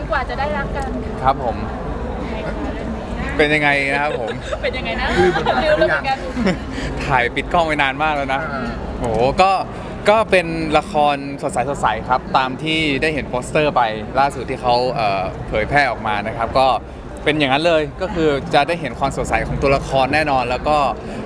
กว่าจะได้รักกันครับผมเป็นยังไงนะครับผมเป็นยังไงนะลืมแล้วเหมือนกันถ่ายปิดกล้องไปนานมากแล้วนะโอ้โหก็เป็นละครสดใสครับตามที่ได้เห็นโปสเตอร์ไปล่าสุดที่เขาเผยแพร่ออกมานะครับก็เป็นอย่างนั้นเลยก็คือจะได้เห็นความสดใสของตัวละครแน่นอนแล้วก็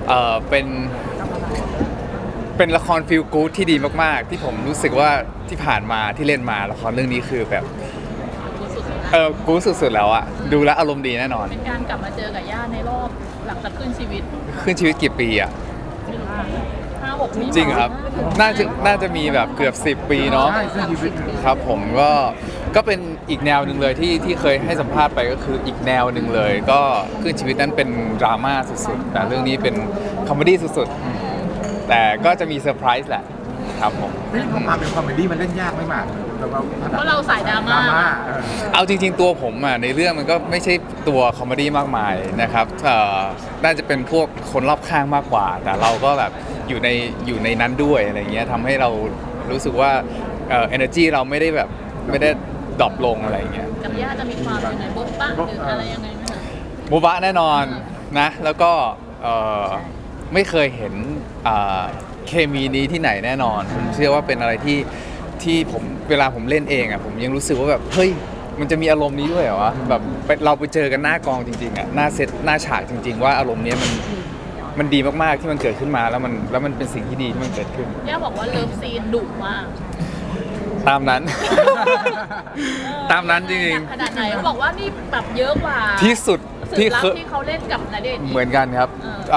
เป็นละครฟีลกู๊ดที่ดีมากๆที่ผมรู้สึกว่าที่ผ่านมาที่เล่นมาละครเรื่องนี้คือแบบกู๊ดสุดๆแล้วอะดูแลวอารมณ์ดีแน่นอนเป็นการกลับมาเจอกับย่าในรอบหลังจากขึ้นชีวิตกี่ปีอะ 5-6 ปีจริงครับน่าจะมีแบบเกือบ10 ปีเนาะครับผมก็เป็นอีกแนวหนึ่งเลยที่เคยให้สัมภาษณ์ไปก็คืออีกแนวหนึ่งเลยก็ขึ้นชีวิตนั้นเป็นดราม่าสุดๆแต่เรื่องนี้เป็นคอมเมดี้สุดๆแต่ก็จะมีเซอร์ไพรส์แหละครับผมพอมาเป็นคอมเมดี้มันเล่นยากไม่มากเพราะเราสายดราม่าเอาจริงๆตัวผมอ่ะในเรื่องมันก็ไม่ใช่ตัวคอมเมดี้มากมายนะครับน่าจะเป็นพวกคนรอบข้างมากกว่าแต่เราก็แบบอยู่ในนั้นด้วยอะไรเงี้ยทำให้เรารู้สึกว่าenergy เราไม่ได้ดรอปลงอะไรเงี้ยกับย่าจะมีความยังไงบ๊อบบ้างหรืออะไรยังไงไหมคะโบบะแน่นอนนะแล้วก็ไม่เคยเห็นเคมีนี้ที่ไหนแน่นอนผมเชื่อว่าเป็นอะไรที่ผมเวลาผมเล่นเองอ่ะผมยังรู้สึกว่าแบบเฮ้ยมันจะมีอารมณ์นี้ด้วยเหรอวะแบบเราไปเจอกันหน้ากองจริงๆอ่ะหน้าเซตหน้าฉากจริงๆว่าอารมณ์นี้มันดีมากๆที่มันเกิดขึ้นมาแล้วมันเป็นสิ่งที่ดีที่มันเกิดขึ้นย่าบอกว่าเลิฟซีนดุมากตามนั้น ตามนั้นจริงๆขนาดไหนเขาบอกว่านี่แบบเยอะกว่าที่สุดที่เขาเล่นกับณเดชน์เหมือนกันครับ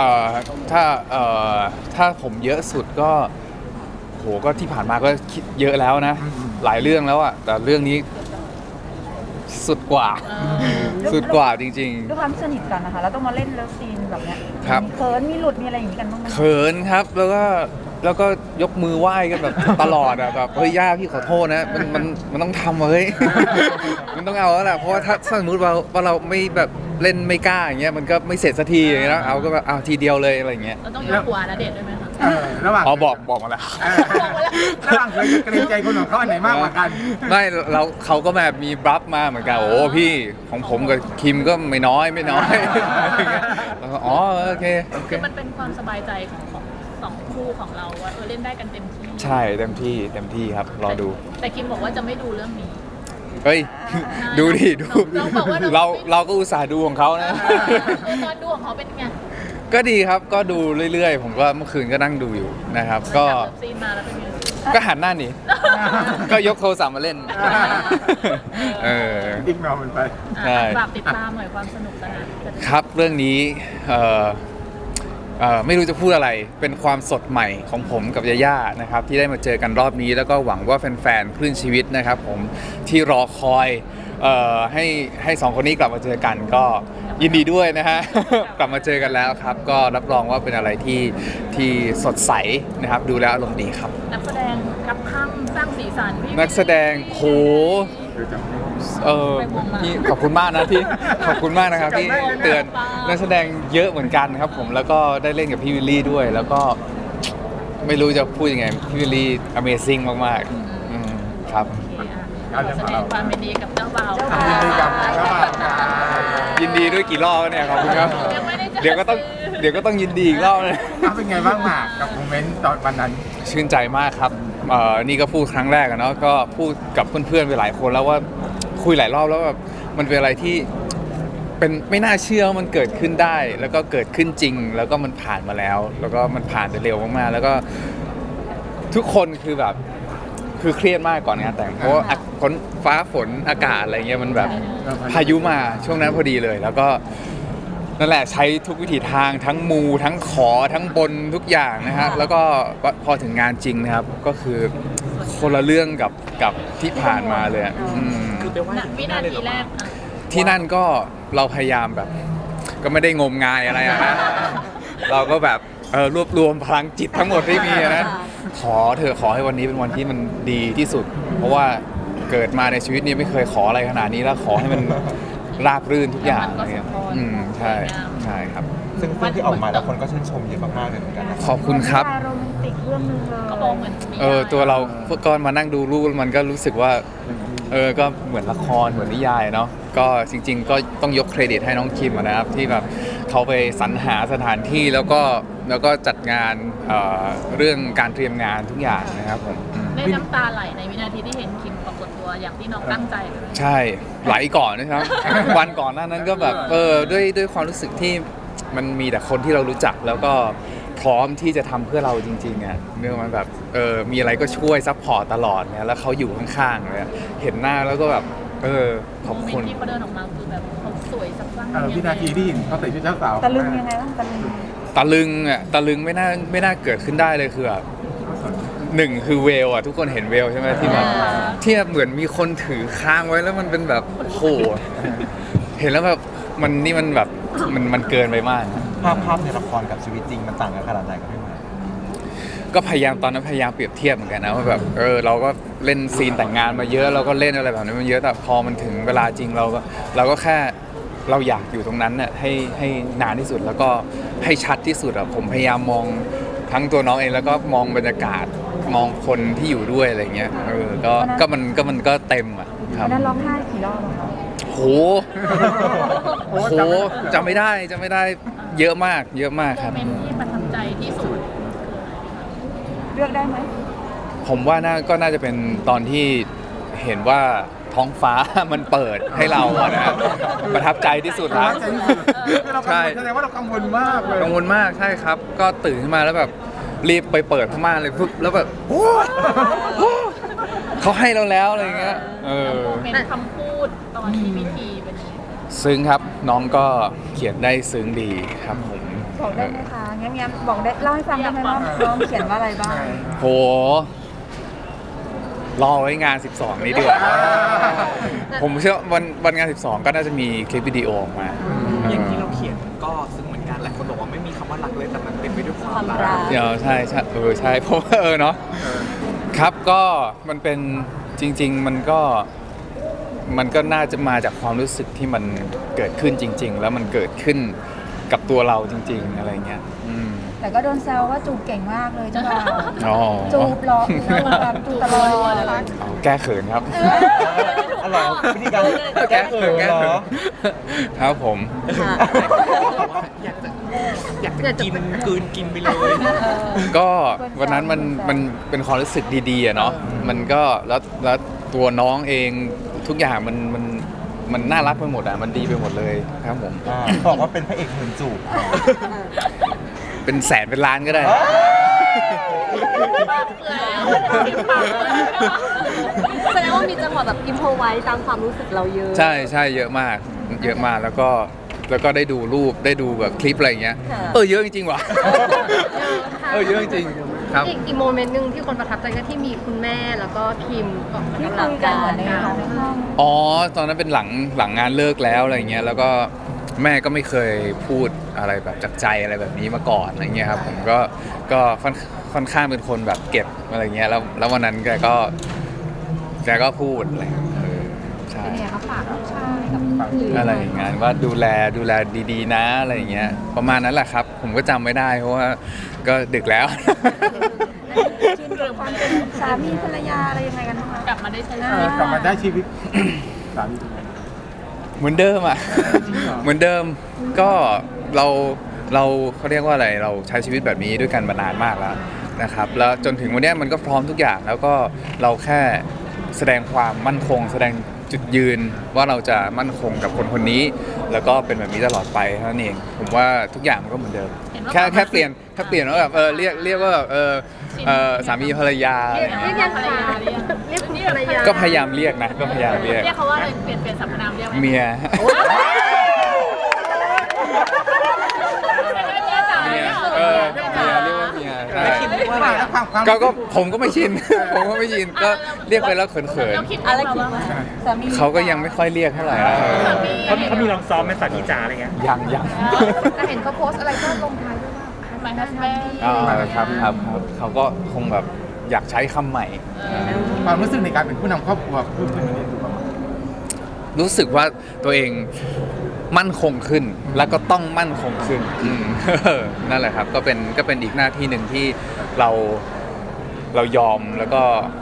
ถ้าผมเยอะสุดก็โหก็ที่ผ่านมาก็คิดเยอะแล้วนะหลายเรื่องแล้วอ่ะแต่เรื่องนี้สุดกว่าจริงๆด้วยความสนิทกันนะคะแล้วต้องมาเล่นเลิฟซีนแบบเนี้ยครับเขินมีหลุดมีอะไรอย่างนี้กันบ้างไหมเขินครับแล้วก็ยกมือไหว้กันแบบตลอดอะแบบเฮ้ยย่าพี่ขอโทษนะมันต้องทำเฮ้ย มันต้องเอาแล้วแหละเพราะว่าถ้าสมมติว่าเราไม่แบบเล่นไม่กล้าอย่างเงี้ยมันก็ไม่เสร็จสักทีอย่างเงี้ยนะเอาก็แบบเอาทีเดียวเลยอะไรอย่างเงี้ยเราต้องยกหัวณเดชน์ด้วยไหมคะระหว่างบอกมาแล้วระหว่างเคยเกรงใจคนของเขาอันไหนมากกว่ากันไม่เขาก็แบบมีบลัฟมาเหมือนกันโอ้พี่ของผมกับคิมก็ไม่น้อยแล้วก็อ๋อโอเคคือมันเป็นความสบายใจของ2 คู่ของเราว่าเล่นได้กันเต็มที่ใช่เต็มที่ครับรอดูแต่คิมบอกว่าจะไม่ดูเรื่องนี้เฮ้ยดูดิดูเราก็อุตส่าห์ดูของเขานะตอนดูของเขาเป็นไงก็ดีครับก็ดูเรื่อยๆผมก็เมื่อคืนก็นั่งดูอยู่นะครับก็ซีนมาแล้วเป็นไงก็หันหน้าหนีก็ยกโทรศัพท์มาเล่นอีกแนวมันไปฝากติดตามหน่อยความสนุกสนานครับเรื่องนี้ไม่รู้จะพูดอะไรเป็นความสดใหม่ของผมกับยาย่านะครับที่ได้มาเจอกันรอบนี้แล้วก็หวังว่าแฟนๆคลื่นชีวิตนะครับผมที่รอคอยให้2 คนนี้กลับมาเจอกันก็ยินดีด้วยนะฮะ กลับมาเจอกันแล้วครับก็รับรองว่าเป็นอะไรที่สดใสนะครับดูแล้วอารมณ์ดีครับนักแสดงกับข้างสร้างสีสันนักแสดงโหพี่ขอบคุณมากนะที่ขอบคุณมากนะครับที่เตือนนักแสดงเยอะเหมือนกันครับผมแล้วก็ได้เล่นกับพี่วิลลี่ด้วยแล้วก็ไม่รู้จะพูดยังไงพี่วิลลี่ Amazing มากๆครับแสดงความยินดีกับเจ้าบ่าวยินดีด้วยกี่รอบเนี่ยขอบคุณครับเดี๋ยวก็ต้องยินดีอีกรอบเลยเป็นไงบ้างหมากกับโมเมนต์ตอนวันนั้นชื่นใจมากครับนี่ก็พูดครั้งแรกเนาะก็พูดกับเพื่อนๆไปหลายคนแล้วว่าคุยหลายรอบแล้วแบบมันเป็นอะไรที่เป็นไม่น่าเชื่อว่ามันเกิดขึ้นได้แล้วก็เกิดขึ้นจริงแล้วก็มันผ่านมาแล้วแล้วก็มันผ่านไปเร็วมากๆแล้วก็ทุกคนคือแบบคือเครียดมากก่อนงานแต่งเพราะว่าฟ้าฝนอากาศอะไรเงี้ยมันแบบพายุมาช่วงนั้นพอดีเลยแล้วก็นั่นแหละใช้ทุกวิถีทางทั้งมูทั้งขอทั้งบนทุกอย่างนะฮะแล้วก็พอถึงงานจริงนะครับก็คือคนละเรื่องกับที่ผ่านมาเลยคือไปว่าวินาทีแรกที่นั่นก็เราพยายามแบบก็ไม่ได้งมงายอะไรนะเราก็แบบรวบรวมพลังจิตทั้งหมดที่มีนะขอให้วันนี้เป็นวันที่มันดีที่สุดเพราะว่าเกิดมาในชีวิตนี้ไม่เคยขออะไรขนาดนี้แล้วขอให้มันราบรื่นทุกอย่างอะไรเงี้ยใช่ครับซึ่งที่ออกมาแล้วคนก็ชื่นชมเยอะมากๆเลยเหมือนกันขอบคุณครับโรแมนติกเรื่องนึงเลยก็บอกเหมือนตัวเราก็มานั่งดูรูปมันก็รู้สึกว่าก็เหมือนละครเหมือนนิยายเนาะก็จริงๆ ก็ต้องยกเครดิตให้น้องคิมอะนะครับที่แบบเขาไปสรรหาสถานที่แล้วก็จัดงานเรื่องการเตรียมงานทุกอย่างนะครับผมได้น้ำตาไหลในวินาทีที่เห็นคิมปรากฏตัวอย่างที่น้องตั้งใจเลยใช่ไหลก่อนนะครับ วันก่อนหน้านั้นก็แบบด้วยความรู้สึกที่มันมีแต่คนที่เรารู้จักแล้วก็พร้อมที่จะทำเพื่อเราจริงๆอ่ะเนื่องมันแบบมีอะไรก็ช่วยซัพพอร์ตตลอดเนี่ยแล้วเขาอยู่ข้างๆเลยอะเห็นหน้าแล้วก็แบบขอบโมเมคุนณต์ที่เขาเดินออกมาคือแบบเขาสวยสักครั้งวินาทีที่เห็นเขาใส่ชุดเจ้าสาวตะลึงยังไงบ้างตะลึงตะลึงไม่น่าเกิดขึ้นได้เลยคือแบบหนึ่งคือเวลอ่ะทุกคนเห็นเวลใช่ไหมที่แบบที่แบบเหมือนมีคนถือค้างไว้แล้วมันเป็นแบบโอ้โหเห็นแล้วแบบมันแบบมันเกินไปมากภาพในละครกับชีวิตจริงมันต่างกันขนาดไหนครับพี่หมายก็ตอนนั้นพยายามเปรียบเทียบเหมือนกันนะว่าแบบเราก็เล่นซีนแต่งงานมาเยอะเราก็เล่นอะไรแบบนี้มาเยอะแต่พอมันถึงเวลาจริงเราก็แค่เราอยากอยู่ตรงนั้นน่ะให้นานที่สุดแล้วก็ให้ชัดที่สุดอ่ะผมพยายามมองทั้งตัวน้องเองแล้วก็มองบรรยากาศมองคนที่อยู่ด้วยอะไรเงี้ยก็มันก็เต็มอ่ะครัวับนนั้นร้องไห้กี่รอบอะคะโหจำไม่ได้เยอะมากคโมรับเมนต์ที่ประทับใจที่สุดเลือกได้ไหมผมว่าก็น่าจะเป็นตอนที่เห็นว่าท้องฟ้า มันเปิดให้เราอะนะประทับใจที่สุดแล้วใจที่สุดคือเรากังวลแสดงว่าเรากังวลมากเลยกังวลมากใช่ครับ ก็ตื่นขึ้นมาแล้วแบบรีบไปเปิดผ้าม่านเลยปุ๊บแล้วแบบโอ้เขาให้เราแล้วอะไรเงี้ยโมเมนต์คำพูดตอนที่พิธีเป็นยังไงซึ้งครับน้องก็เขียนได้ซึ้งดีครับผมบอกได้ไหมคะแง้มๆบอกได้เล่าให้ฟังได้ไหมว่าน้องเขียนว่าอะไรบ้างโหรอไว้งาน 12 นี้ดีกว่าผมเชื่อวันงาน 12 ก็น่าจะมีคลิปวิดีโอออกมาอย่างที่เราเขียนก็ซึ่งเหมือนกันหลายคนบอกว่าไม่มีคำว่ารักเลยแต่มันเป็นไปด้วยความรักเดี๋ยวใช่ใช่เพราะว่าเนาะครับก็มันเป็นจริง ๆ มันก็น่าจะมาจากความรู้สึกที่มันเกิดขึ้นจริง ๆ แล้วมันเกิดขึ้นกับตัวเราจริง ๆ อะไรเงี้ยแต่ก็โดนแซวว่าจูบเก่งมากเลยจ้าบ่าวอ๋อจูบหรอแบบจูบตลอดเลยเอาแก้เขินครับอ๋อเหรอวิธีการแก้เขินเหรอครับผมอยากกินกลืนกินไปเลยก็วันนั้นมันเป็นความรู้สึกดีๆอะเนาะมันก็แล้วตัวน้องเองทุกอย่างมันน่ารักไปหมดอ่ะมันดีไปหมดเลยครับผมบอกว่าเป็นพระเอกหมื่นจูบเป็นแสนเป็นล้านก็ได้แสดงว่ามีจังหวะแบบอิมโพไว้ตามความรู้สึกเราเยอะใช่เยอะมากแล้วก็ได้ดูรูปได้ดูแบบคลิปอะไรอย่างเงี้ยค่ะเยอะจริงๆว่ะ เยอะจริงๆครับอีกโมเมนต์หนึ่งที่คนประทับใจก็ที่มีคุณแม่แล้วก็พิมพ์ออกที่กำลัคุงยกันกาเหมืยอนในห้องอ๋อตอนนั้นเป็นหลังงานเลิกแล้วอะไรเงี้ยแล้วก็แม่ก็ไม่เคยพูดอะไรแบบจากใจอะไรแบบนี้มาก่อนอะไรเงี้ยครับผมก็ค่อนข้างเป็นคนแบบเก็บอะไรเงี้ยแล้ววันนั้นแกก็พูดอะไรใช่เนี่ยเขาฝากลูกชายกับหรืออะไรอย่างเงี้ยว่าดูแลดีๆนะอะไรอย่างเงี้ยประมาณนั้นแหละครับ ผมก็จำไม่ได้เพราะว่าก็ดึกแล้วชินกับความเป็นสามีภรรยาอะไรยังไงกันบ้างคะกลับมาได้ใช้ชีวิตกลับมาได้ชีวิตสามีเป็นไงเหมือนเดิมอ่ะ เหมือนเดิมก็เราเขาเรียกว่าอะไรเราใช้ชีวิตแบบนี้ด้วยกันมานานมากแล้วนะครับแล้วจนถึงวันเนี้ยมันก็พร้อมทุกอย่างแล้วก็เราแค่แสดงความมั่นคง แสดงจุดยืนว่าเราจะมั่นคงกับคนคนนี้ แล้วก็เป็นแบบนี้ตลอดไปเท่านั้นเองผมว่าทุกอย่างมันก็เหมือนเดิม แค่เปลี่ยนว่าแบบเรียกว่าแบบสามีภรรยาอะไรอย่างเรีเงี้ยยกยังไงเรียกคุณภรรยาก็พยายามเรียกนะก็พยายามเรียกเรียกเขาว่าอะไรเปลี่ยนสรรพนามเรียกไหมเมีย เมียเรียกว่าเมียใช่ไม่คิดว่าอะไรแล้วความก็ผมก็ไม่ชิน ผมก็ไม่ชินก็เรียกไปแล้วเขินเราคิดอะไรคิดว่าสามีๆเขาก็ยังไม่ค่อยเรียกเท่าไหร่นะเขามีลองซ้อมไหมสามีจ๋าอะไรเงี้ยยังแต่เห็นเขาโพสต์อะไรก็ลงท้ายด้วยว่า My husband ครับเขาก็คงแบบอยากใช้คำใหม่ความรู้สึกในการเป็นผู้นำครอบครัวพูดขึ้นมาเนี่ยดูประมาณรู้สึกว่าตัวเองมั่นคงขึ้น แล้วก็ต้องมั่นคงขึ้นนั่นแหละครับก็เป็นอีกหน้าที่หนึ่งที่เรายอมแล้วก็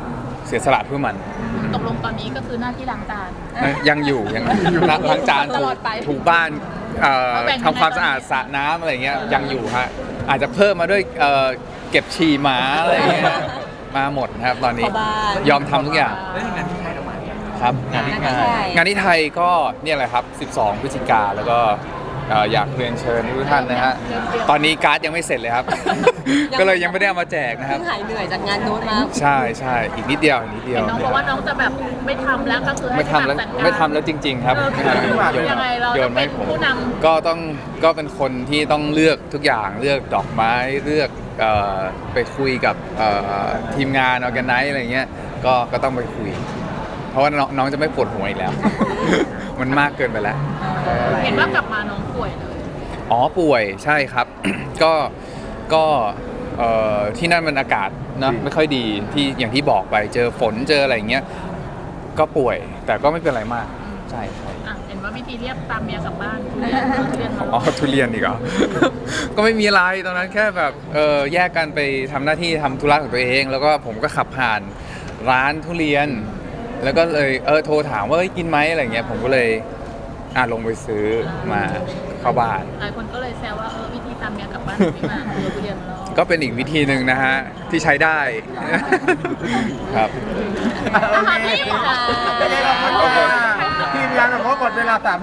เสียสละเพื่อมันตกลงตอนนี้ก็คือหน้าที่ล้างจานยังอยู่ล้างจานตลอดไปถูบ้านแบ่งทำความสะอาดสระน้ำอะไรเงี้ยยังอยู่ฮะอาจจะเพิ่มมาด้วยเก็บฉี่หมาอะไรเงี้ยมาหมดนะครับตอนนี้เข้าบ้านยอมทำทุกอย่างแล้วงานที่ไทยเรามาครับงานที่ไทยก็เนี่ยแหละครับ 12 พฤศจิกาแล้วก็อยากเรียนเชิญทุกท่านนะฮะตอนนี้การ์ดยังไม่เสร็จเลยครับ ก็เลยยังไม่ได้เอามาแจกนะครับเพิ่งหายเหนื่อยจากงานนู้นมาใช่ใช่อีกนิดเดียวอีกนิดเดียวเห็นน้องบอกว่าน้องจะแบบไม่ทำแล้วก็คือให้ไม่ทำแล้วจัดการไม่ทำแล้วจริง ๆ ครับยังไงเราโยจะนเป็ให้นผมผู้นก็เป็นคนที่ต้องเลือกทุกอย่างเลือกดอกไม้เลือกไปคุยกับทีมงานออแกไนซ์อะไรเงี้ยก็ต้องไปคุย เพราะว่าน้องจะไม่ปวดหัวอีกแล้ว มันมากเกินไปแล้วำเห็นว่ากลับมาน้องป่วยเลยอ๋อป่วยใช่ครับ ก็ที่นั่นมันอากาศนะไม่ค่อยดีที่อย่างที่บอกไปเจอฝนเจออะไรอย่างเงี้ยก็ป่วยแต่ก็ไม่เป็นไรมากใช่ใช่อ่ะเห็นว่าวิธีเรียกตามเมียกลับบ้านทุเรียนมาอ๋อทุเรียนอีกเหรอ ก็ไม่มีอะไรตอนนั้นแค่แบบแยกกันไปทำหน้าที่ทำธุระของตัวเอง แล้วก็ผมก็ขับผ่านร้านทุเรียน แล้วก็เลยโทรถามว่าเอ้ยกินไหมอะไรเงี้ยผมก็เลยลงไปซื้อมาเข้าบ้านหลายคนก็เลยแซวว่าวิธีตามเมียกลับบ้านพี่หมากทุเรียนมาแล้วก็เป็นอีกวิธีหนึ่งนะฮะ ที่ใช้ได้ ครับโอเคพี่หมอทีมงานเราขอหมดเวลา3